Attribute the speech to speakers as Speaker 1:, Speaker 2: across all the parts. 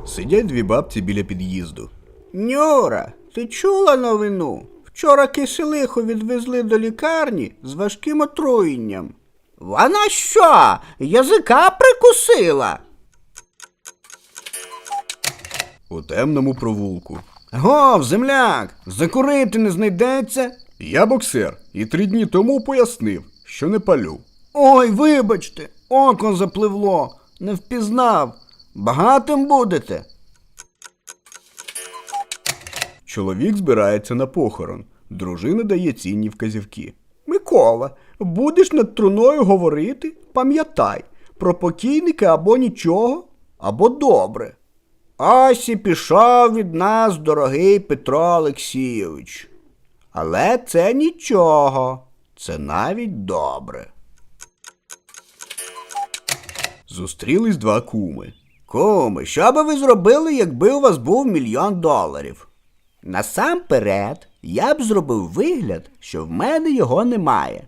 Speaker 1: Сидять дві бабці біля під'їзду.
Speaker 2: Нюра, ти чула новину? Вчора киселиху відвезли до лікарні з важким отруєнням. Вона що, язика прикусила?
Speaker 1: У темному провулку.
Speaker 2: Гов, земляк, закурити не знайдеться?
Speaker 1: Я боксер і 3 дні тому пояснив, що не палю.
Speaker 2: Ой, вибачте, око запливло, не впізнав. Багатим будете?
Speaker 1: Чоловік збирається на похорон. Дружина дає цінні вказівки.
Speaker 2: Микола, будеш над труною говорити? Пам'ятай, про покійника або нічого, або добре. Ось і пішов від нас дорогий Петро Олексійович. Але це нічого, це навіть добре.
Speaker 1: Зустрілись 2 куми.
Speaker 2: Куми, що би ви зробили, якби у вас був $1 мільйон? Насамперед, я б зробив вигляд, що в мене його немає.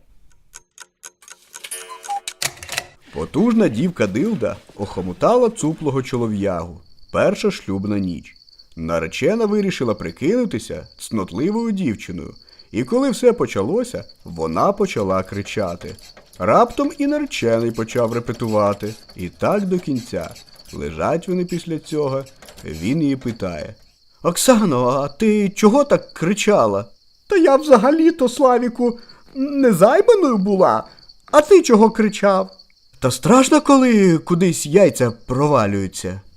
Speaker 1: Потужна дівка Дилда охомутала цуплого чолов'ягу. Перша шлюбна ніч. Наречена вирішила прикинутися цнотливою дівчиною. І коли все почалося, вона почала кричати. Раптом і наречений почав репетувати. І так до кінця. Лежать вони після цього. Він її питає.
Speaker 2: Оксано, а ти чого так кричала? Та я взагалі-то, Славіку, незайманою була. А ти чого кричав? Та страшно, коли кудись яйця провалюються.